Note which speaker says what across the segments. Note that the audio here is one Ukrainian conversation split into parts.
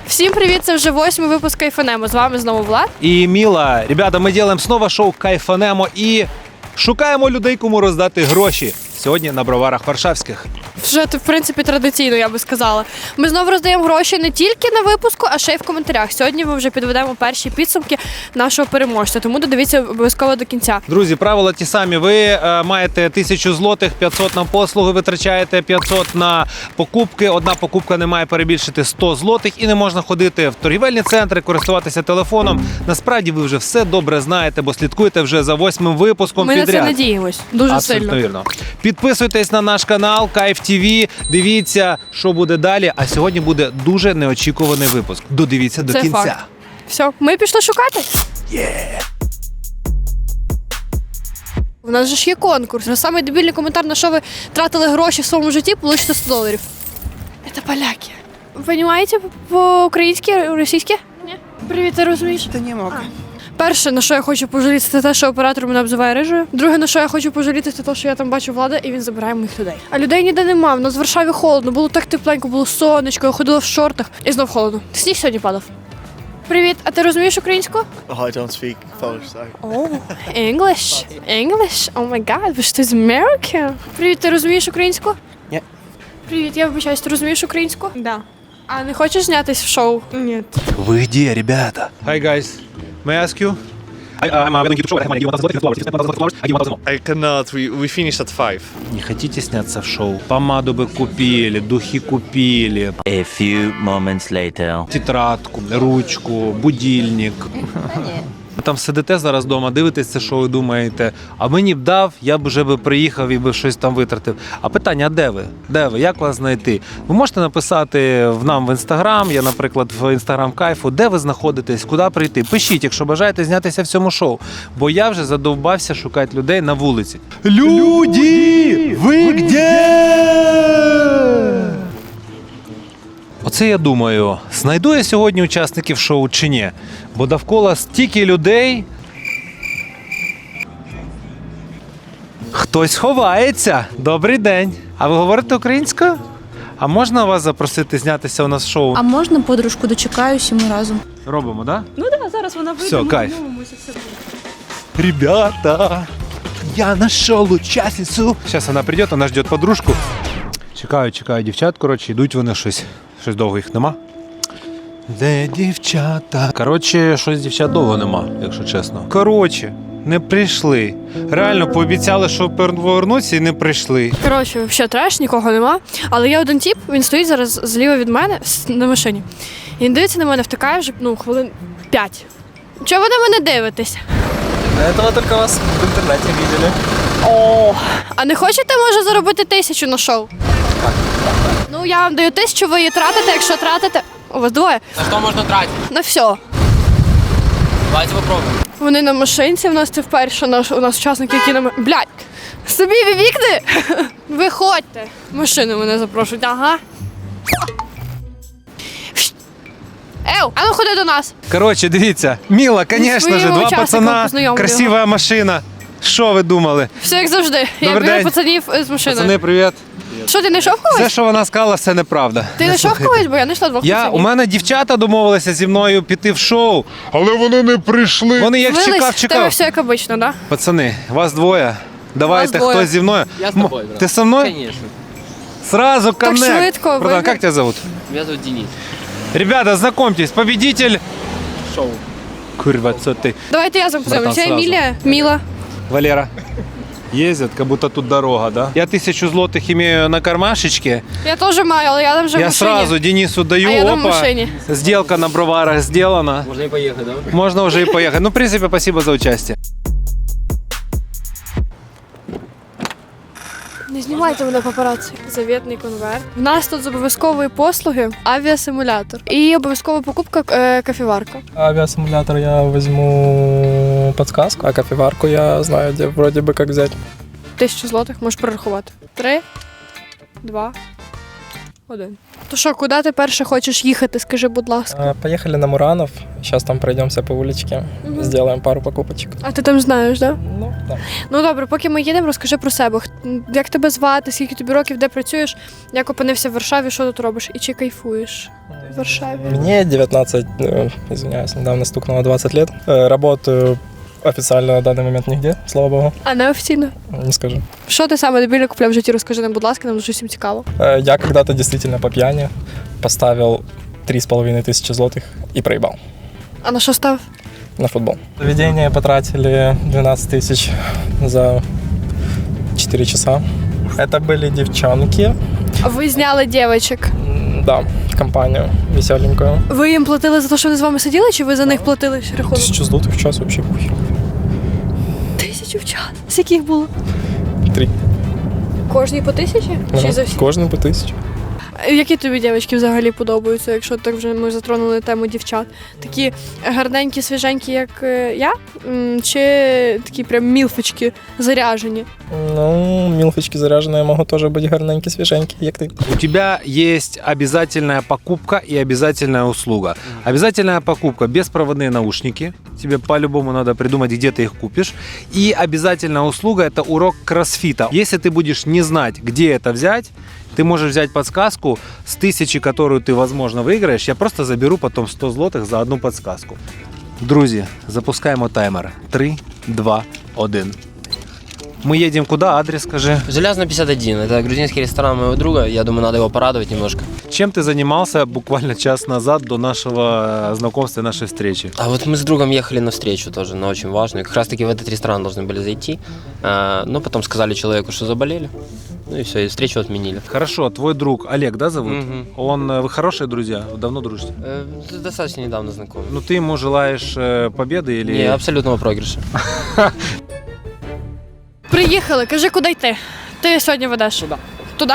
Speaker 1: Всім привіт, це вже 8-й випуск Кайфанемо. З вами знову Влад.
Speaker 2: І Міла. Ребята, ми робимо знову шоу Кайфанемо і шукаємо людей, кому роздати гроші. Сьогодні на броварах Варшавських.
Speaker 1: Вже, в принципі, традиційно, я би сказала. Ми знову роздаємо гроші не тільки на випуску, а ще й в коментарях. Сьогодні ми вже підведемо перші підсумки нашого переможця, тому додивіться обов'язково до кінця.
Speaker 2: Друзі, правила ті самі. Ви маєте 1000 злотих, 500 на послуги витрачаєте, 500 на покупки. Одна покупка не має перебільшити 100 злотих і не можна ходити в торгівельні центри, користуватися телефоном. Насправді ви вже все добре знаєте, бо слідкуєте вже за 8-м випуском
Speaker 1: Ми
Speaker 2: підряд.
Speaker 1: на це надіємось. Дуже
Speaker 2: Абсолютно
Speaker 1: сильно.
Speaker 2: вірно. Підписуйтесь на наш канал Кайф ТВ, дивіться, що буде далі. А сьогодні буде дуже неочікуваний випуск. Додивіться до
Speaker 1: Це
Speaker 2: кінця.
Speaker 1: факт. Все, ми пішли шукати. У нас же ж є конкурс. На самий дебільний коментар, на що ви тратили гроші в своєму житті, получите $100. Це поляки. Ви розумієте по-українськи, російськи? Ні. Привіт, ти розумієш?
Speaker 3: Та не мог.
Speaker 1: Перше, на що я хочу пожаліти, це те, що оператор мене обзиває рижею. Друге, на що я хочу пожаліти, це те, що я там бачу Влада, і він забирає моїх людей. А людей ніде нема. В нас в Варшаві холодно, було так тепленько, було сонечко, я ходила в шортах. І знов холодно. Сніг сьогодні падав. Привіт, а ти розумієш українську?
Speaker 3: Oh, I don't speak Polish, sorry.
Speaker 1: О, English. English? О май гад, ви ж ти з Америки? Привіт, ти розумієш українську?
Speaker 3: Ні.
Speaker 1: Привіт, я вибачаюсь, ти розумієш українську?
Speaker 4: Да.
Speaker 1: А не хочеш знятись в шоу?
Speaker 4: Нет.
Speaker 2: Ви де, ребята? Hi, guys. May I ask you? I'm a YouTube show. I have money.
Speaker 3: I cannot. We finished at 5.
Speaker 2: Не хотите сняться в шоу? Помаду бы купили, духи купили,
Speaker 5: A few moments later.
Speaker 2: тетрадку, ручку, будильник. Ви там сидите зараз вдома, дивитесь це шоу і думаєте, а мені б дав, я б вже приїхав і би щось там витратив. А питання, а де ви? Де ви? Як вас знайти? Ви можете написати нам в Інстаграм, я, наприклад, в Інстаграм Кайфу, де ви знаходитесь, куди прийти. Пишіть, якщо бажаєте знятися в цьому шоу. Бо я вже задовбався шукати людей на вулиці. Люди! Ви де? Оце я думаю, знайду я сьогодні учасників шоу чи ні? Бо довкола стільки людей. Хтось ховається. Добрий день. А ви говорите українською? А можна вас запросити знятися у нас в шоу?
Speaker 6: А можна подружку дочекаюсь і ми разом?
Speaker 2: Робимо, так?
Speaker 4: Ну да, зараз вона вийде.
Speaker 2: Все,
Speaker 4: ми
Speaker 2: кайф.
Speaker 4: домовимося, все буде.
Speaker 2: Ребята, я нашел участницю. Зараз вона прийде, вона жде подружку. Чекаю дівчат, коротше, йдуть вони щось довго їх нема. Де дівчата? Коротше, щось дівчат довго нема, якщо чесно. Коротше, не прийшли. Реально пообіцяли, що повернуться і не прийшли.
Speaker 1: Коротше, взагалі треш, нікого нема. Але є один тіп, він стоїть зараз зліва від мене на машині. І він дивиться на мене, втикає вже хвилин 5. Чого ви на мене дивитесь?
Speaker 7: До этого только вас в интернете видели.
Speaker 1: О, а не хочете, може, заробити 1000 на шоу? Ну, я вам даю 1000, ви її тратите, якщо тратите. У вас двоє?
Speaker 7: На что можно тратить?
Speaker 1: На все.
Speaker 7: Давайте попробуем.
Speaker 1: Вони на машинці, в нас це вперше у нас учасники, які на Блядь! Собі вікни! Виходьте! Машину мене запрошують, ага. Ев, а ну ходи до нас!
Speaker 2: Коротше, дивіться, Міла, звісно
Speaker 1: своїми
Speaker 2: ж, два
Speaker 1: учасниками
Speaker 2: пацана,
Speaker 1: познайомлю
Speaker 2: красива машина. Що ви думали?
Speaker 1: Все як завжди. Я
Speaker 2: Добрий
Speaker 1: беру
Speaker 2: день.
Speaker 1: пацанів з машиною.
Speaker 2: Пацани, привіт.
Speaker 1: Що, ти не йшов когось?
Speaker 2: Все, що вона сказала, все неправда.
Speaker 1: Ти не йшов когось, бо я не йшла двох
Speaker 2: У
Speaker 1: пацанів.
Speaker 2: мене дівчата домовилися зі мною піти в шоу, але вони не прийшли. Вони як
Speaker 1: Вились, в тебе
Speaker 2: чекав.
Speaker 1: все як обично, да?
Speaker 2: Пацани, вас двоє. Давайте,
Speaker 1: Вас двоє.
Speaker 2: хтось зі мною.
Speaker 7: Я с тобой, брат.
Speaker 2: Ти со мною?
Speaker 7: Конечно.
Speaker 2: Сразу
Speaker 1: Так
Speaker 2: коннект.
Speaker 1: швидко,
Speaker 2: Братан,
Speaker 1: ви-
Speaker 2: как тебя зовут?
Speaker 7: Меня зовут Денис.
Speaker 2: Ребята, знакомьтесь, победитель.
Speaker 7: Шоу.
Speaker 2: Курва, це ти.
Speaker 1: Давайте я запитаю.
Speaker 2: Братан,
Speaker 1: Це
Speaker 2: сразу.
Speaker 1: Емілія, Міла.
Speaker 2: Валера. Ездят, как будто тут дорога, да? Я 1000 злотых имею на кармашечке.
Speaker 1: Я теж маю, але я там вже в
Speaker 2: Я
Speaker 1: машині.
Speaker 2: сразу Денису даю,
Speaker 1: А я там в
Speaker 2: опа,
Speaker 1: машині.
Speaker 2: сделка на броварах сделана.
Speaker 7: Можно и поехать, да?
Speaker 2: Можно уже и поехать. Ну, в принципе, спасибо за участие.
Speaker 1: Не знімайте мене папараці. Завітний конверт. В нас тут з обов'язкової послуги авіасимулятор. І обов'язкова покупка кофеварка.
Speaker 8: Авиасимулятор я возьму подсказку, а кофеварку я знаю, где вроде бы как взять.
Speaker 1: 1000 злотих, можеш прорахувати. 3, 2, 1. То що, куди ти перше хочеш їхати, скажи, будь ласка.
Speaker 8: Поехали на Муранов. Сейчас там пройдемся по уличке. Сделаем пару покупочек.
Speaker 1: А ти там знаєш, так? Да?
Speaker 8: Ну, да.
Speaker 1: Ну добре, поки ми їдемо, розкажи про себе. Як тебе звати, скільки тобі років, де працюєш, як опинився в Варшаві, що тут робиш і чи кайфуєш в Варшаві?
Speaker 8: Мне 19, извиняюсь, недавно стукнуло 20 лет. Работаю официально на данный момент нигде, слава богу,
Speaker 1: А неофіційно?
Speaker 8: не скажу.
Speaker 1: Що ти саме дебільно купляв в житті, розкажи нам, будь ласка, нам дуже всім цікаво.
Speaker 8: Я когда-то действительно по пьяни поставил 3500 злотых и проебал
Speaker 1: А на що став?
Speaker 8: на футбол. Заведение потратили 12 тысяч за 4 часа. Это были девчонки,
Speaker 1: А ви зняли дівчинок.
Speaker 8: да, компанию веселенькую.
Speaker 1: Ви їм платили за те, що вони з вами сиділи, чи ви за них платили рахунок?
Speaker 8: 1000 злотых в час вообще похер.
Speaker 1: 1000 в час. Скільки їх було?
Speaker 8: 3.
Speaker 1: Кожній по 1000? Чи за всі?
Speaker 8: Кожен по 1000.
Speaker 1: Які тобі дівчатки взагалі подобаються, якщо так вже ми затронули тему дівчат? Такі гарненькі, свіженькі, як я? Чи такі прям мілфочки заряжені?
Speaker 8: Ну, милфочки заряженные могут тоже быть гарненькие, свеженькие, як ты.
Speaker 2: У тебя есть обязательная покупка и обязательная услуга. Обязательная покупка – беспроводные наушники. Тебе по-любому надо придумать, где ты их купишь. И обязательная услуга – это урок кроссфита. Если ты будешь не знать, где это взять, ты можешь взять подсказку с 1000, которую ты, возможно, выиграешь. Я просто заберу потом 100 злотых за одну подсказку. Друзі, запускаємо таймер. 3, 2, 1. Мы едем куда? Адрес скажи.
Speaker 7: Железно 51. Это грузинский ресторан моего друга. Я думаю, надо его порадовать немножко.
Speaker 2: Чем ты занимался буквально час назад до нашего знакомства, нашей встречи?
Speaker 7: А вот мы с другом ехали на встречу тоже, на очень важную. Как раз таки в этот ресторан должны были зайти. Но потом сказали человеку, что заболели. Ну и все, и встречу отменили.
Speaker 2: Хорошо, твой друг Олег, да, зовут?
Speaker 7: Мгм.
Speaker 2: Вы хорошие друзья? Давно дружите?
Speaker 7: Достаточно недавно знакомы.
Speaker 2: Ну ты ему желаешь победы или...
Speaker 7: Не, абсолютного проигрыша.
Speaker 1: Приїхали, кажи, куди йти? Ти сьогодні ведеш? Туди. Туди?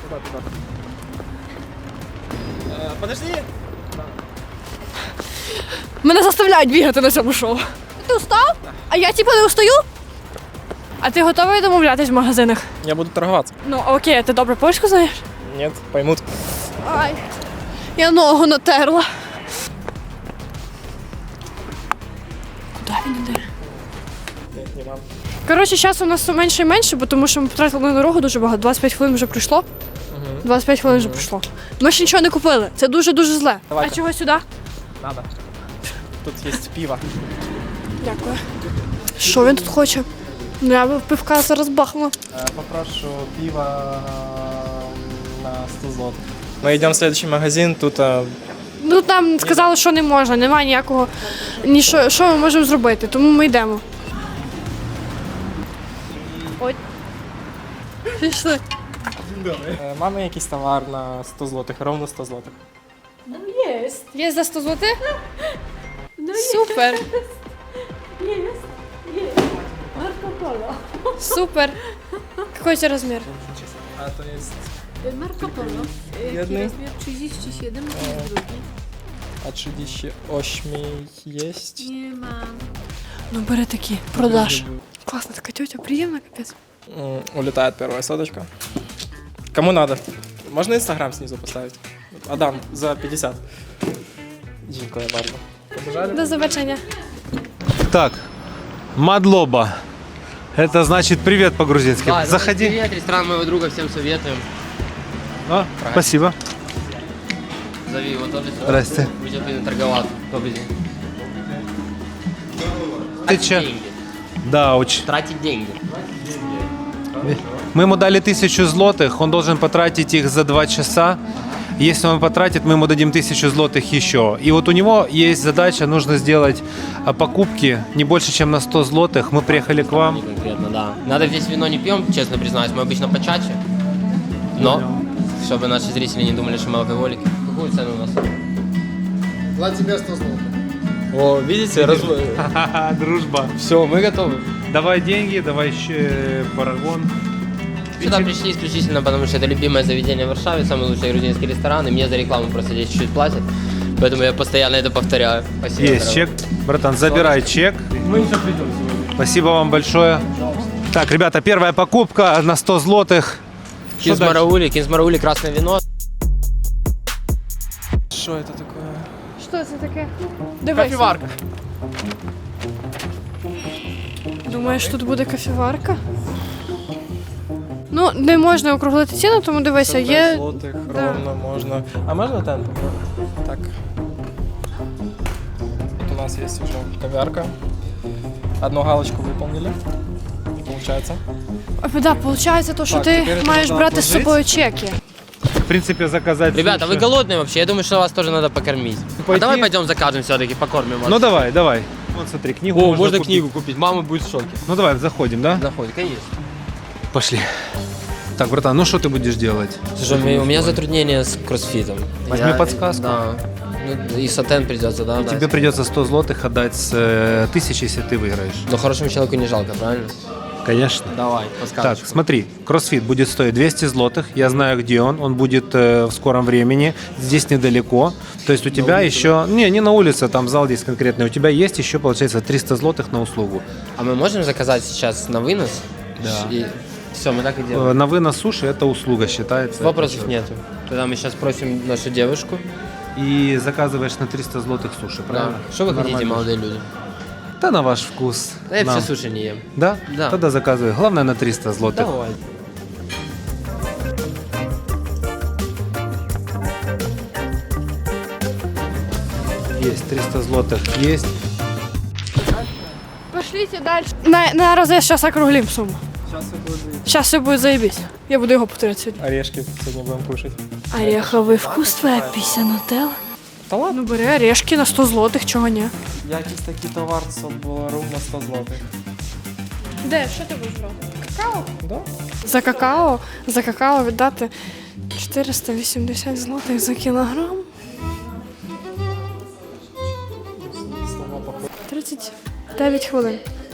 Speaker 8: Подожди.
Speaker 1: Мене заставляють бігати на цьому шоу. Ти устав? А я типу не устаю? А ти готовий домовлятись в магазинах?
Speaker 8: Я буду торговаться.
Speaker 1: Ну окей, а ти добре польську знаєш?
Speaker 8: Нет, поймут.
Speaker 1: Ай, я ногу натерла. Куди він іде?
Speaker 8: Не вам.
Speaker 1: Коротше, часу у нас все менше і менше, бо тому що ми потратили на дорогу дуже багато. 25 хвилин вже пройшло. 25 хвилин вже пройшло. Ми ще нічого не купили. Це дуже-дуже зле.
Speaker 8: Давайте.
Speaker 1: А чого сюди?
Speaker 8: Надо. Тут есть пиво.
Speaker 1: Дякую. Що він тут хоче? Ну я б пивка зараз бахнула.
Speaker 8: Попрошу пиво на 100 злотых. Мы идем в следующий магазин, тут
Speaker 1: Ну там сказали, що не можна, немає ніякого. Що ми можемо зробити, тому ми йдемо. Ой. Пішли.
Speaker 8: mamy якийсь товар на 100 злотих, ровно 100 злотих.
Speaker 1: Є за 100 злотих? Супер. Супер. Какой у тебя размер?
Speaker 8: А то есть
Speaker 4: Marco Polo.
Speaker 8: Jedny?
Speaker 4: Rozmiar 37 i drugi.
Speaker 8: а 38 есть.
Speaker 4: Nie ma.
Speaker 1: Ну бери такі, продаж. Класна така тетя, приємна капець.
Speaker 8: Улетает первая соточка. Кому надо? Можно Инстаграм снизу поставить? Адам, за 50. Дякую bardzo. Побежали?
Speaker 1: До побачення.
Speaker 2: Так, Мадлоба. Это значит привет по-грузински. Заходи.
Speaker 7: Привет, ресторан моего друга, всем советуем.
Speaker 2: А, спасибо.
Speaker 7: Зови его тоже.
Speaker 2: Здрасте.
Speaker 7: Будет торговаться. Добрый день.
Speaker 2: Ты че?
Speaker 7: Деньги.
Speaker 2: Да, очень.
Speaker 7: Тратить деньги.
Speaker 2: Мы ему дали 1000 злотых, он должен потратить их за 2 часа. Если он потратит, мы ему дадим 1000 злотых еще. И вот у него есть задача, нужно сделать покупки не больше, чем на 100 злотых. Мы приехали к вам.
Speaker 7: Не конкретно, да. Надо здесь вино не пьем, честно признаюсь, мы обычно почаще. Но, чтобы наши зрители не думали, что мы алкоголики. Какую цену у нас?
Speaker 2: О, видите, дружба.
Speaker 7: Все, мы готовы.
Speaker 2: Давай деньги, давай еще парагон.
Speaker 7: Сюда пришли исключительно потому, что это любимое заведение в Варшаве, самый лучший грузинский ресторан, и мне за рекламу просто здесь чуть-чуть платят. Поэтому я постоянно это повторяю. Спасибо.
Speaker 2: Есть
Speaker 7: дорогой.
Speaker 2: чек. Братан, забирай чек.
Speaker 7: Мы еще придем сегодня.
Speaker 2: Спасибо вам большое. Так, ребята, первая покупка на 100 злотых. Что дальше?
Speaker 7: Кинзмараули, красное вино.
Speaker 8: Что это такое?
Speaker 1: Що це таке? Дивись.
Speaker 8: Кофеварка.
Speaker 1: Думаєш, тут буде кофеварка? Ну, не можна округлити ціну, тому дивися, є.
Speaker 8: Злотих,
Speaker 1: Да.
Speaker 8: ровно можно. А можно темпо? Так. Вот у нас есть уже кофеварка. Одну галочку выполнили. Получается.
Speaker 1: Да, виходить, то, що
Speaker 8: Так,
Speaker 1: ти
Speaker 8: тепер це
Speaker 1: маєш
Speaker 8: треба
Speaker 1: брати з
Speaker 8: отложити.
Speaker 1: собою чеки.
Speaker 2: В принципе, заказать
Speaker 7: Ребята,
Speaker 2: суши.
Speaker 7: вы голодные вообще? Я думаю, что вас тоже надо покормить. А
Speaker 2: Пойти?
Speaker 7: давай пойдем закажем все-таки, покормим вас.
Speaker 2: Ну давай, давай. Вот смотри, книгу
Speaker 7: О, можно
Speaker 2: купить.
Speaker 7: книгу купить, мама будет в шоке.
Speaker 2: Ну давай, заходим, да?
Speaker 7: Заходит, конечно.
Speaker 2: Пошли. Так, братан, ну что ты будешь делать?
Speaker 7: Слушай, у меня затруднения с кроссфитом.
Speaker 2: Возьми подсказку.
Speaker 7: Да. Ну, и сатен придется, да?
Speaker 2: Тебе придется 100 злотых отдать с 1000, если ты выиграешь.
Speaker 7: Но хорошему человеку не жалко, правильно?
Speaker 2: Конечно.
Speaker 7: Давай,
Speaker 2: Так,
Speaker 7: подсказочку.
Speaker 2: смотри, кроссфит будет стоить 200 злотых. Я знаю, где он будет в скором времени. Здесь недалеко. То есть у тебя еще... Не на улице, там зал здесь конкретный. У тебя есть еще, получается, 300 злотых на услугу.
Speaker 7: А мы можем заказать сейчас на вынос?
Speaker 2: Да.
Speaker 7: И все, мы так и делаем.
Speaker 2: На вынос суши это услуга считается.
Speaker 7: Вопросов нету. Тогда мы сейчас просим нашу девушку.
Speaker 2: И заказываешь на 300 злотых суши, правильно?
Speaker 7: Да. Что вы хотите,
Speaker 2: Нормально.
Speaker 7: молодые люди?
Speaker 2: Да на ваш вкус.
Speaker 7: Да я
Speaker 2: Нам.
Speaker 7: все суши не ем.
Speaker 2: Да?
Speaker 7: Да.
Speaker 2: Тогда заказывай. Главное на 300 злотых.
Speaker 7: Давай.
Speaker 2: Есть 300 злотых, есть.
Speaker 1: Пошліть далі. На рази зараз округлим суму.
Speaker 8: Сейчас это будет.
Speaker 1: Зараз все буде заєбісь. Я буду його повторяти сьогодні.
Speaker 8: Орешки сегодня будем кушать.
Speaker 1: Ореховий вкус, твоя пісня нутелла.
Speaker 8: Та ладно.
Speaker 1: Ну бери орешки на 100 злотих, чого ні.
Speaker 8: Якийсь такий товар це було ровно 100 злотих.
Speaker 1: Де, що ти будеш брати? Какао?
Speaker 8: Да?
Speaker 1: За какао віддати 480 злотих за кілограм. 39 хвилин.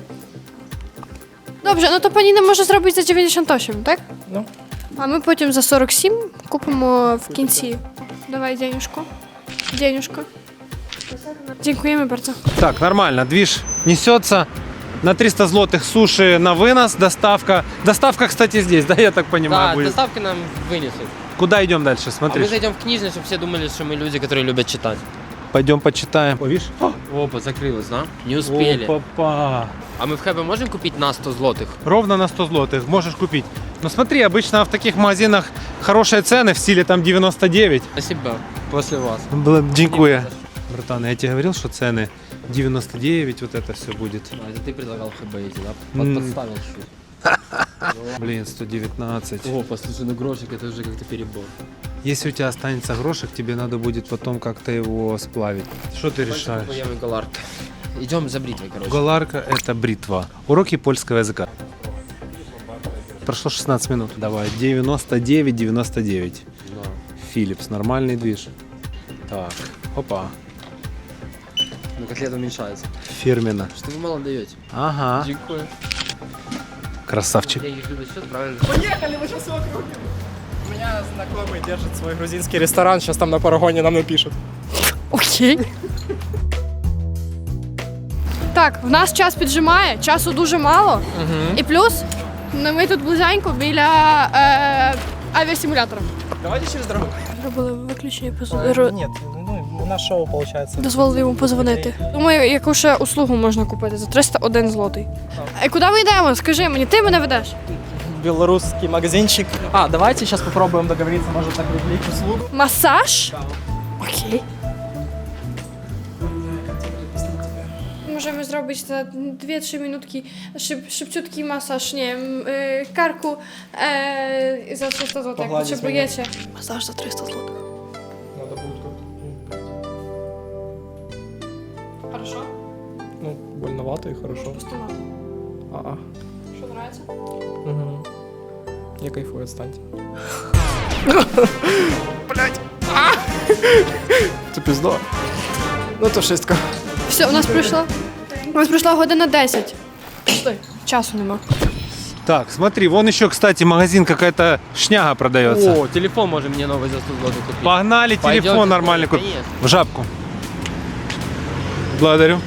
Speaker 1: Добре, ну то пані не може зробити за 98, так?
Speaker 8: Ну.
Speaker 1: А ми потім за 47 купимо в кінці. Давай денюжку. Денюжку. Дякуємо bardzo.
Speaker 2: Так, нормально. Движ несется. На 300 злотых суши на вынос, доставка. Доставка, кстати, здесь, да, я так понимаю,
Speaker 7: Да,
Speaker 2: будет.
Speaker 7: доставки нам вынесут.
Speaker 2: Куда идем дальше?
Speaker 7: А
Speaker 2: Смотри.
Speaker 7: мы зайдем в книжный, чтобы все думали, что мы люди, которые любят читать.
Speaker 2: Пойдем почитаем. О, видишь?
Speaker 7: Опа, закрылось, да? Не успели.
Speaker 2: О, папа.
Speaker 7: А мы в Хэбе можем купить на 100 злотых?
Speaker 2: Ровно на 100 злотых можешь купить. Но смотри, обычно в таких магазинах хорошие цены в стиле там 99.
Speaker 7: Спасибо. После вас.
Speaker 2: Дякую. Братан, я тебе говорил, что цены 99, вот это все будет.
Speaker 7: А, это ты предлагал в Хэбе идти, да? Подставил чуть.
Speaker 2: Блин, 119.
Speaker 7: О, послушай, ну грошик это уже как-то перебор.
Speaker 2: Если у тебя останется грошек, тебе надо будет потом как-то его сплавить. Что ты решаешь?
Speaker 7: Поем галарка. Идем за бритвой, короче.
Speaker 2: Галарка – это бритва. Уроки польского языка. Прошло 16 минут. Давай, 99,99.
Speaker 7: Да.
Speaker 2: Philips, нормальный движ. Так, опа,
Speaker 7: Ну котлета уменьшается.
Speaker 2: фирменно.
Speaker 7: Что вы мало даете?
Speaker 2: Ага,
Speaker 7: Дякую.
Speaker 2: красавчик.
Speaker 7: Я их любят счет, правильно?
Speaker 8: Поехали, мы сейчас все округлим. У меня знакомый держит свой грузинский ресторан, сейчас там на парагоне нам напишут.
Speaker 1: Окей. Так, в нас час піджимає, часу дуже мало. І плюс ми тут близенько біля авіасимулятора.
Speaker 8: Давайте через дорогу.
Speaker 1: Зробили виключення
Speaker 8: Нет, ну у нас шоу получается.
Speaker 1: дозволили йому позвонити. Думаю, яку ще услугу можна купити за 301 злотий. А куди ми йдемо? Скажи мені, ти мене ведеш?
Speaker 8: Белорусский магазинчик. А, давайте сейчас попробуем договориться, может, так привлечь услугу.
Speaker 1: Масаж? Окей. Możemy zrobić za 2-3 minutki szybciutki masaż, nie wiem, karku za 300 zł, jak
Speaker 8: Pogładzić
Speaker 1: potrzebujecie. Masaż za 300 zł.
Speaker 8: Надо будет как-то.
Speaker 1: Хорошо?
Speaker 8: Ну, больновато и хорошо.
Speaker 1: Пустовато.
Speaker 8: А-а.
Speaker 1: Что, нравится?
Speaker 8: Угу. Я кайфую, отстаньте. Це пізда. Ну то шестка.
Speaker 1: Все, у нас пройшла година 10. Стой, часу нема.
Speaker 2: Так, смотри, вон еще, кстати, магазин какая-то шняга продается.
Speaker 7: О, телефон можем мне новый за 100 злотых купить.
Speaker 2: Погнали,
Speaker 7: Пойдёте?
Speaker 2: телефон нормальный купить.
Speaker 7: Конечно.
Speaker 2: В жабку. Благодарю.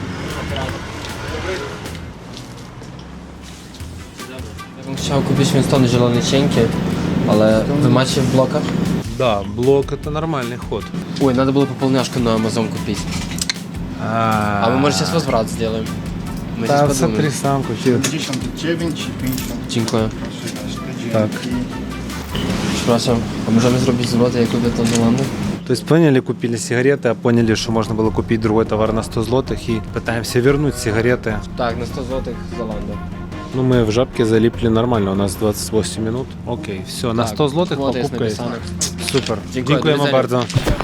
Speaker 7: Ja bym chciał kupić Winstony zielone cienkie, ale wy macie w blokach?
Speaker 2: Да, блок это нормальный ход.
Speaker 7: Ой, надо было пополняшку на Amazon купить. А мы, может, сейчас возврат сделаем. Мы
Speaker 2: Да,
Speaker 7: сейчас
Speaker 2: смотри,
Speaker 7: подумаем.
Speaker 2: сам купил.
Speaker 7: Дякую.
Speaker 2: Так.
Speaker 7: Прzepraszam, a możemy zrobić złote, jak kupię to Zolando?
Speaker 2: То есть поняли, купили сигареты, а поняли, что можно было купить другой товар на 100 злотых и пытаемся вернуть сигареты.
Speaker 7: Так, на 100 злотих Золандо.
Speaker 2: Ну, мы в жабке залипли нормально, у нас 28 минут. Окей, все, на 100 злотых
Speaker 7: вот есть
Speaker 2: покупка есть.
Speaker 7: написано.
Speaker 2: Супер.
Speaker 7: Дякую,
Speaker 2: Дякуємо
Speaker 7: дуже.
Speaker 2: bardzo.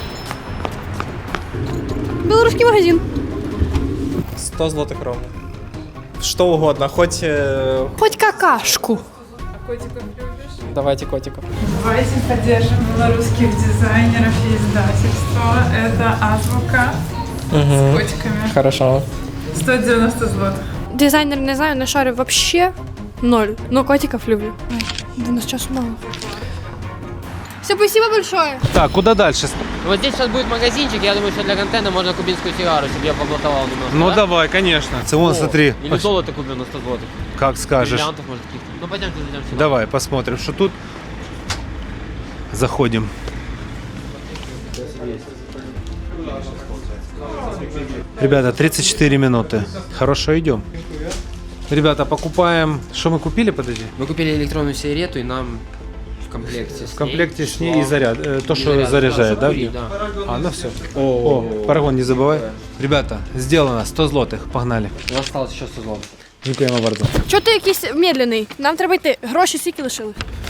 Speaker 1: Білоруський магазин.
Speaker 8: 100 злотых ровно. Что угодно, хоть...
Speaker 1: Хоч какашку.
Speaker 8: Давайте котиков.
Speaker 9: Давайте поддержим белорусских дизайнеров и издательства. Это Азбука с котиками.
Speaker 8: Хорошо.
Speaker 9: 190 злотых.
Speaker 1: Дизайнер не знаю, не шарю вообще ноль. Но котиков люблю. Ой, у нас часу мало. Все, спасибо большое.
Speaker 2: Так, куда дальше?
Speaker 7: Вот здесь сейчас будет магазинчик, я думаю, что для контента можно кубинскую сигару, чтобы я поблатовал немного.
Speaker 2: Ну
Speaker 7: да?
Speaker 2: давай, конечно. Це вон, смотри.
Speaker 7: Или золото купим на 100 злотых.
Speaker 2: Как скажешь.
Speaker 7: Бриллиантов, может, каких-то. Ну, пойдемте зайдем сюда.
Speaker 2: Давай, посмотрим, что тут. Заходим. Ребята, 34 минуты. Хорошо, идем. Ребята, покупаем... Что мы купили, подожди?
Speaker 7: Мы купили электронную сигарету, и нам в комплекте с
Speaker 2: В комплекте с ней
Speaker 7: шла-
Speaker 2: и заряд. То,
Speaker 7: и
Speaker 2: что
Speaker 7: заряд,
Speaker 2: заряжает, да?
Speaker 7: курить, да.
Speaker 2: А, ну все. О, парагон не забывай. Ребята, сделано. 100 злотых. Погнали.
Speaker 7: У нас осталось еще 100 злотых.
Speaker 2: Дякуємо bardzo.
Speaker 1: Чого ти якийсь медленний? Нам треба йти. Гроші скільки лишили?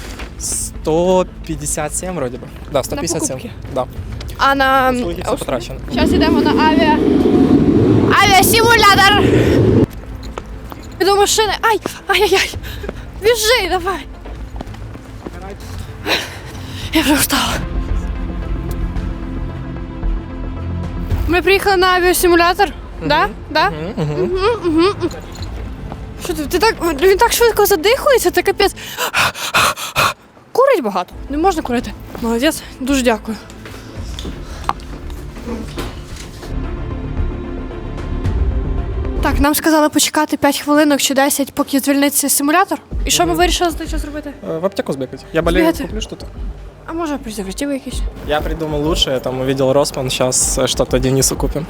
Speaker 8: 157 вроде бы. Да, 157.
Speaker 1: покупки?
Speaker 8: Да.
Speaker 1: А на...
Speaker 8: Услуги все потрачено.
Speaker 1: Зараз йдемо на авіасимулятор. До машини. Ай! Ай-яй-яй! Біжи, давай! Я вже встала. Ми приїхали на авіасимулятор. Да? Да? Що ти так, він так швидко задихується, це капець. Курить багато. Не можна курити. Молодець, дуже дякую. Так, нам сказали почекати 5 хвилинок чи 10, поки звільниться симулятор. І що ми вирішили за той час робити?
Speaker 8: В аптеку сбегать. Я болею,
Speaker 1: Сбегать?
Speaker 8: куплю что-то.
Speaker 1: А може презервативи якісь?
Speaker 8: Я придумал лучше, я там увидел Росман, сейчас что-то Денису купим.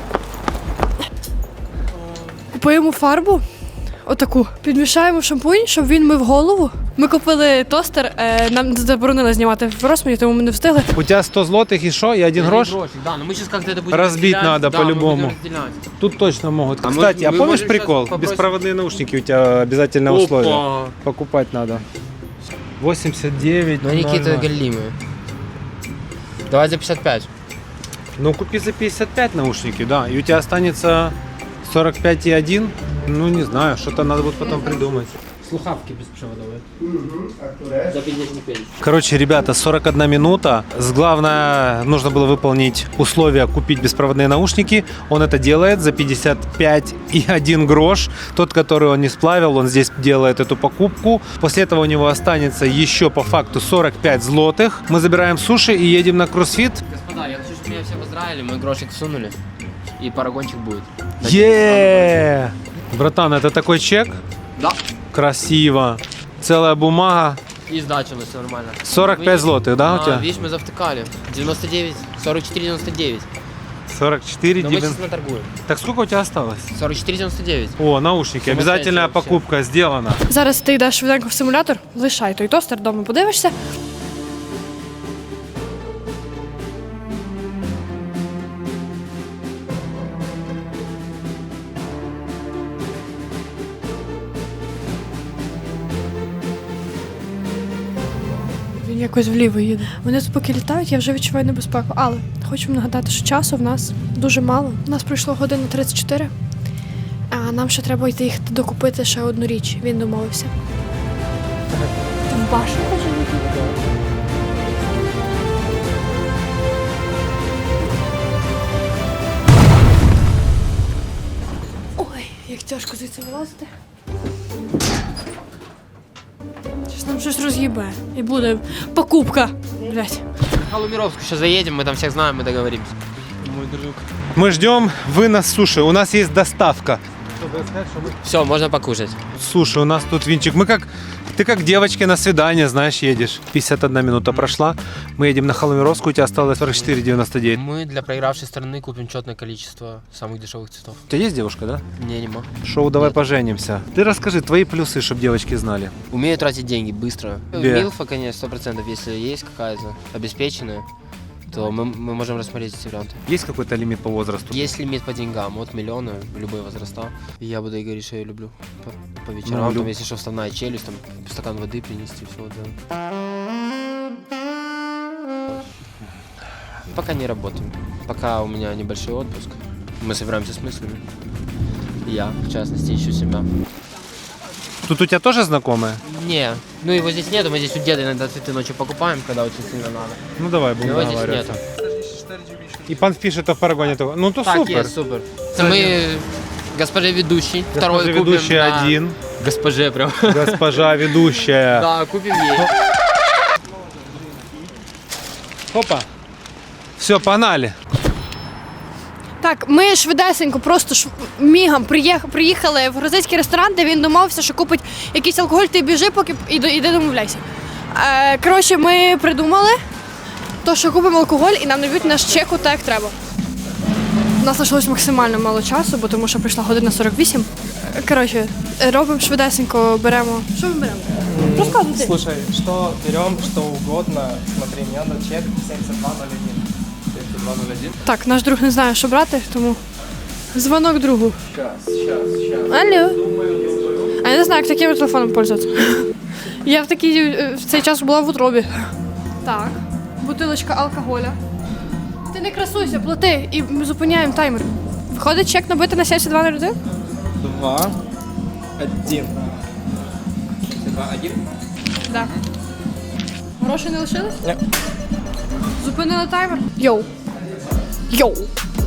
Speaker 1: Купуємо фарбу, отаку, підмішаємо шампунь, щоб він мив голову. Ми купили тостер, нам заборонили знімати в Росмані, тому ми не встигли.
Speaker 2: У тебя 100 злотых и что? И 1 грош?
Speaker 7: Да, но мы сейчас как-то это будем
Speaker 2: Разбить
Speaker 7: разделять.
Speaker 2: надо
Speaker 7: Да, мы
Speaker 2: по-любому.
Speaker 7: будем разделять.
Speaker 2: Тут точно могут.
Speaker 7: А мы-
Speaker 2: Кстати, а
Speaker 7: мы
Speaker 2: помнишь
Speaker 7: можем
Speaker 2: прикол?
Speaker 7: сейчас попросить-
Speaker 2: Беспроводные наушники у тебя обязательное
Speaker 7: Опа.
Speaker 2: условие. Покупать надо. 89.
Speaker 7: Но они какие-то галимые. Давай за 55.
Speaker 2: Ну, купи за 55 наушники, да. И у тебя останется 45,1. Ну, не знаю, что-то надо будет потом придумать.
Speaker 7: Слухавки беспроводовые. За 55.
Speaker 2: Короче, ребята, 41 минута. Главное, нужно было выполнить условия купить беспроводные наушники. Он это делает за 55,1 грош. Тот, который он не сплавил, он здесь делает эту покупку. После этого у него останется еще по факту 45 злотых. Мы забираем суши и едем на кроссфит.
Speaker 7: Господа, я хочу, чтобы меня все поздравили, мы грошик всунули. И парагончик будет.
Speaker 2: Е! Братан, это такой чек?
Speaker 7: Да.
Speaker 2: Красиво. Целая бумага.
Speaker 7: И сдача, все нормально.
Speaker 2: 45 злотых, да, у тебя?
Speaker 7: Видишь, мы завтыкали. 99, 44,99.
Speaker 2: 44,
Speaker 7: Но мы
Speaker 2: 9.
Speaker 7: сейчас наторгуем.
Speaker 2: Так сколько у тебя осталось?
Speaker 7: 44,99.
Speaker 2: О, наушники.
Speaker 7: Сумасшедшие
Speaker 2: Обязательная
Speaker 7: вообще.
Speaker 2: покупка сделана.
Speaker 1: Зараз ти йдеш швиденько в симулятор, лишай той тостер, вдома подивишся. Він якось вліво їде. Вони тут поки літають, я вже відчуваю небезпеку. Але хочу вам нагадати, що часу в нас дуже мало. У нас пройшло година 34, а нам ще треба йти їх докупити ще одну річ. Він домовився. Ти в башню хочеш летіти? Ой, як тяжко звідси вилазити. Щось нам щось роз'їбе. І буде покупка. Блять.
Speaker 7: В Халумировску сейчас заедем, мы там всех знаем, мы договоримся.
Speaker 8: Мой друг.
Speaker 2: Мы ждем вынос суши. У нас есть доставка.
Speaker 7: Все, можно покушать.
Speaker 2: Суши, у нас тут винчик. Мы как Ты как девочки на свидание, знаешь, едешь. 51 минута прошла. Мы едем на Холмировскую, у тебя осталось 44,99.
Speaker 7: Мы для проигравшей стороны купим четное количество самых дешевых цветов.
Speaker 2: У тебя есть девушка, да?
Speaker 7: Не, нема.
Speaker 2: Шоу «Давай
Speaker 7: Нет.
Speaker 2: поженимся». Ты расскажи твои плюсы, чтобы девочки знали.
Speaker 7: Умею тратить деньги быстро.
Speaker 2: Где?
Speaker 7: Милфа, конечно, 100%, если есть какая-то обеспеченная, то мы можем рассмотреть эти варианты.
Speaker 2: Есть какой-то лимит по возрасту?
Speaker 7: Есть лимит по деньгам, от миллиона, любые возраста. И я буду ей говорить, что я люблю. По вечерам,
Speaker 2: Ну,
Speaker 7: там, если что, вставная челюсть, там, стакан воды принести, все, да. Пока не работаем. Пока у меня небольшой отпуск. Мы собираемся с мыслями. Я, в частности, ищу себя.
Speaker 2: Тут у тебя тоже знакомые?
Speaker 7: Не, ну его здесь нету, мы здесь у деда иногда цветы ночью покупаем, когда очень сильно надо.
Speaker 2: Ну давай, будем
Speaker 7: Его здесь
Speaker 2: договариваться.
Speaker 7: нету.
Speaker 2: И пан пишет, в парагоне того. Ну то
Speaker 7: Так,
Speaker 2: супер.
Speaker 7: есть, супер. Это мы госпоже ведущий, второй
Speaker 2: Госпожа
Speaker 7: купим.
Speaker 2: ведущая
Speaker 7: да.
Speaker 2: один,
Speaker 7: Госпоже прям.
Speaker 2: госпожа ведущая.
Speaker 7: Да, купим ей.
Speaker 2: Опа. Все, погнали.
Speaker 1: Так, ми швидесенько, просто мігом приїхали в грузинський ресторан, де він домовився, що купить якийсь алкоголь, ти біжи, поки іди домовляйся. Коротше, ми придумали, то, що купимо алкоголь і нам дають наш чеку так, як треба. У нас залишилось максимально мало часу, бо тому що прийшла година 48. Коротше, робимо швидесенько, беремо. Що ми беремо? Розказуй ти.
Speaker 8: Слушай, что берем, что угодно. Смотри, мне надо чек 7201. 7201.
Speaker 1: Так, наш друг не знає, що брати, тому дзвонок другу.
Speaker 8: Сейчас.
Speaker 1: Алло. А я не знаю, як таким телефоном пользуватися. Я в цей час була в утробі. Так, бутилочка алкоголя. Ти не красуйся, плати і ми зупиняємо таймер. Виходить чек набити на 7201?
Speaker 8: 2, 1. 7201?
Speaker 1: Так. Грошей не лишилось?
Speaker 8: Ні.
Speaker 1: Зупинили таймер? Йоу. Йоу.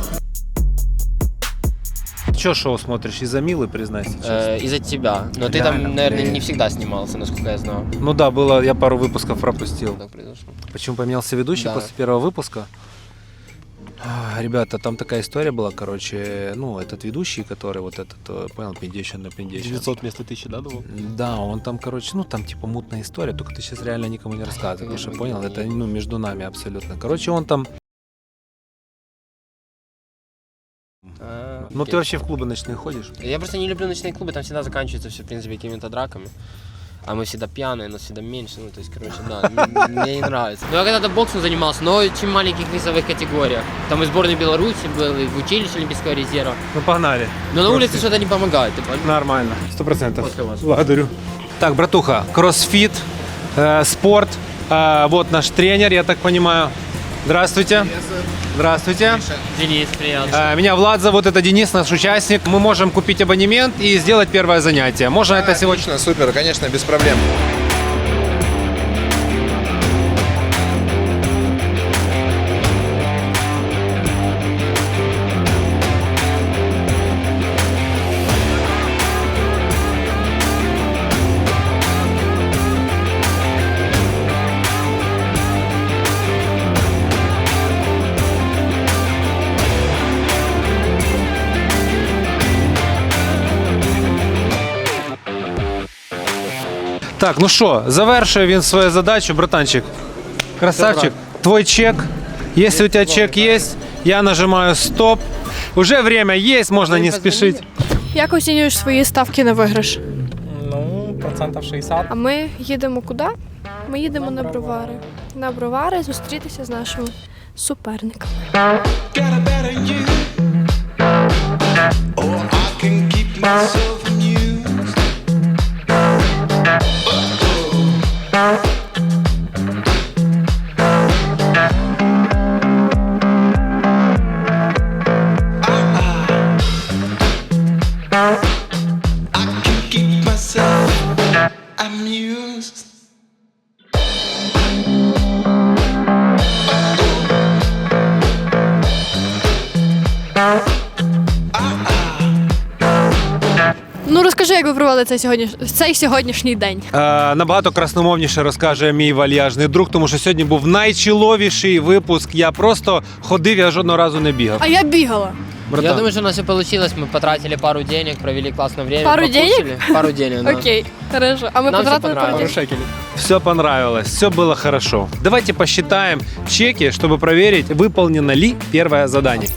Speaker 2: Че шоу смотришь? Из-за Милы, признайся честно.
Speaker 7: Из-за тебя. Но ты
Speaker 2: Реально,
Speaker 7: там, наверное,
Speaker 2: блин.
Speaker 7: не всегда снимался, насколько я знаю.
Speaker 2: Ну да, было, я пару выпусков пропустил.
Speaker 7: Так произошло.
Speaker 2: Почему поменялся ведущий
Speaker 7: Да.
Speaker 2: после первого выпуска? Ребята, там такая история была, короче, ну, этот ведущий, который вот этот, понял, Пиндещин на Пиндещин.
Speaker 3: 900 вместо 1000, да, думал?
Speaker 2: Да, он там, короче, ну, там типа мутная история, только ты сейчас реально никому не рассказывай, потому что, понял, это, ну, между нами абсолютно. Короче, он там, ну, ты вообще в клубы ночные ходишь?
Speaker 7: Я просто не люблю ночные клубы, там всегда заканчивается все, в принципе, какими-то драками. А мы всегда пьяные, нас всегда меньше, ну, то есть, короче, да, мне не нравится. Ну, я когда-то боксом занимался, но очень маленьких весовых категориях. Там и сборной Беларуси был, и в училище Олимпийского резерва.
Speaker 2: Ну, погнали.
Speaker 7: Но на улице что-то не помогает, ты понимаешь?
Speaker 2: Нормально, 100%.
Speaker 7: После вас.
Speaker 2: Благодарю. Так, братуха, кроссфит, спорт, вот наш тренер, я так понимаю. Здравствуйте. Здравствуйте.
Speaker 7: Денис, приятно.
Speaker 2: Меня Влад зовут, это Денис, наш участник. Мы можем купить абонемент и сделать первое занятие. Можно это сегодня?
Speaker 10: Отлично, супер, конечно, без проблем.
Speaker 2: Так, ну що, завершує він свою задачу, братанчик. Красавчик, твой чек. Если у тебя чек есть, я нажимаю стоп. Уже время есть, можно не спешить.
Speaker 1: Як оцінюєш свої ставки на виграш?
Speaker 8: Ну, процентов 60.
Speaker 1: А ми їдемо куди? Ми їдемо на бровари. На бровари зустрітися з нашими суперниками. Ну розкажи, як ви провели цей сьогоднішній день.
Speaker 2: Набагато красномовніше розкаже мій вальяжний друг, тому що сьогодні був найчіловіший випуск. Я просто ходив, я жодного разу не бігав.
Speaker 1: А я бігала.
Speaker 2: братан.
Speaker 7: Я думаю, что у нас все получилось. Мы потратили пару денег, провели классное время.
Speaker 1: Пару
Speaker 7: покушали. Пару денег, да.
Speaker 1: Окей, хорошо. А ми
Speaker 7: Нам все
Speaker 1: потратили пару
Speaker 7: понравилось.
Speaker 1: днів.
Speaker 2: Все понравилось, все было хорошо. Давайте посчитаем чеки, чтобы проверить, выполнено ли первое задание.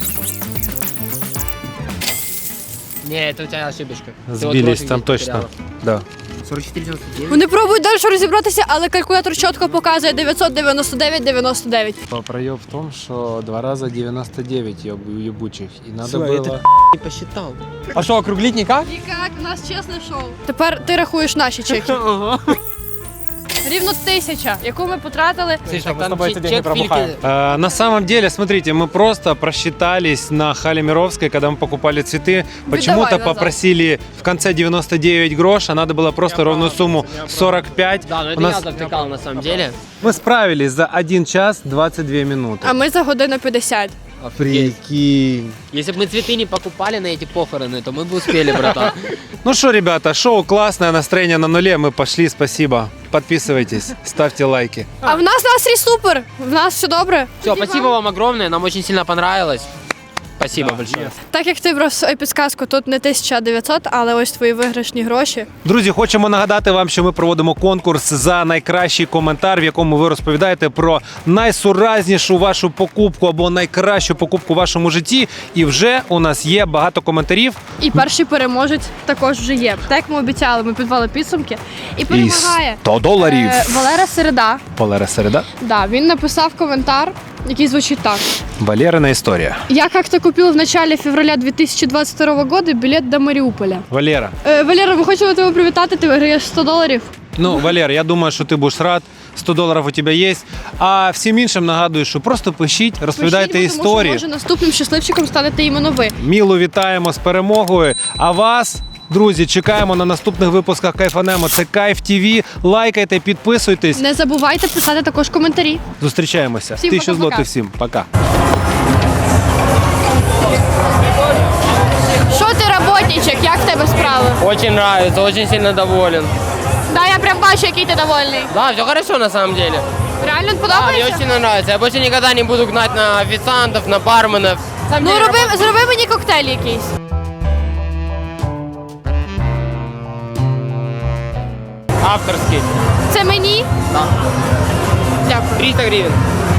Speaker 7: Не, это у тебя ошибочка. Ты вот
Speaker 2: Сбились
Speaker 7: профиль
Speaker 2: там
Speaker 7: где-то
Speaker 2: точно.
Speaker 7: потеряла.
Speaker 2: Да.
Speaker 7: 44,99.
Speaker 1: Вони пробують далі розібратися, але калькулятор чітко показує 999,99.
Speaker 2: Проеб в том, что 2 раза 99 ебучих. И надо
Speaker 7: Всё,
Speaker 2: было...
Speaker 7: Не посчитал.
Speaker 8: А що, округліть никак?
Speaker 1: Нікак, у нас чесне шоу. Тепер ти рахуєш наші чеки. Рівно 1000, яку ми потратили.
Speaker 7: Слышь,
Speaker 8: мы с тобой эти деньги пробухаем.
Speaker 2: На самом деле, смотрите, мы просто просчитались на Хале Мировской, когда мы покупали цветы. Почему-то
Speaker 1: назад.
Speaker 2: попросили в конце 99 грош, а надо было просто ровную сумму 45.
Speaker 7: Да, но это
Speaker 2: У нас-
Speaker 7: я завтыкал на самом деле.
Speaker 2: Мы справились за 1 час 22 минуты.
Speaker 1: А ми за годину 50.
Speaker 2: Прикинь.
Speaker 7: Если бы мы цветы не покупали на эти похороны, то мы бы успели, братан.
Speaker 2: Ну что, ребята, шоу классное, настроение на нуле. Мы пошли, спасибо. Подписывайтесь, ставьте лайки.
Speaker 1: А в нас настрій супер. В нас все добре.
Speaker 7: Все, спасибо вам огромное, нам очень сильно понравилось. Спасибо большое.
Speaker 1: Так як ти брав підсказку, тут не 1900, але ось твої виграшні гроші.
Speaker 2: Друзі, хочемо нагадати вам, що ми проводимо конкурс за найкращий коментар, в якому ви розповідаєте про найсуразнішу вашу покупку або найкращу покупку в вашому житті. І вже у нас є багато коментарів.
Speaker 1: І перший переможець також вже є. Так як ми обіцяли, ми підвели підсумки. І перемагає
Speaker 2: $100.
Speaker 1: Валера Середа.
Speaker 2: Валера Середа.
Speaker 1: Да, він написав коментар, який звучить так.
Speaker 2: Валерина історія.
Speaker 1: Я как-то купил в начале февраля 2022 года билет до Мариуполя.
Speaker 2: Валера.
Speaker 1: Валера, ми хочемо тебе привітати, ти виграєш $100.
Speaker 2: Ну, Валер, я думаю, що ти будеш рад. $100 у тебе є. А всім іншим нагадую, що просто пишіть, розповідайте
Speaker 1: Пишіть, бо тому
Speaker 2: історії.
Speaker 1: що, може, наступним щасливчиком станете іменно ви.
Speaker 2: Мілу вітаємо з перемогою. А вас, друзі, чекаємо на наступних випусках Кайфанемо. Це Кайф ТВ. Лайкайте, підписуйтесь.
Speaker 1: Не забувайте писати також коментарі.
Speaker 2: Зустрічаємося.
Speaker 1: Всім
Speaker 2: 1000
Speaker 1: пока-пока.
Speaker 2: злотих всім. Пока.
Speaker 1: Що ти, роботничок, як в тебе справи?
Speaker 7: Очень нравится, очень сильно доволен.
Speaker 1: Да, я прям бачу, який ти довольний.
Speaker 7: Да, все хорошо на самом деле.
Speaker 1: Реально
Speaker 7: Да, мне
Speaker 1: подобається?
Speaker 7: очень сильно нравится. Я больше никогда не буду гнать на официантов, на барменов. На самом
Speaker 1: Ну,
Speaker 7: деле,
Speaker 1: зроби мені коктейль якийсь.
Speaker 7: авторский.
Speaker 1: Це мені?
Speaker 7: Да.
Speaker 1: Дякую.
Speaker 7: 300 гривен.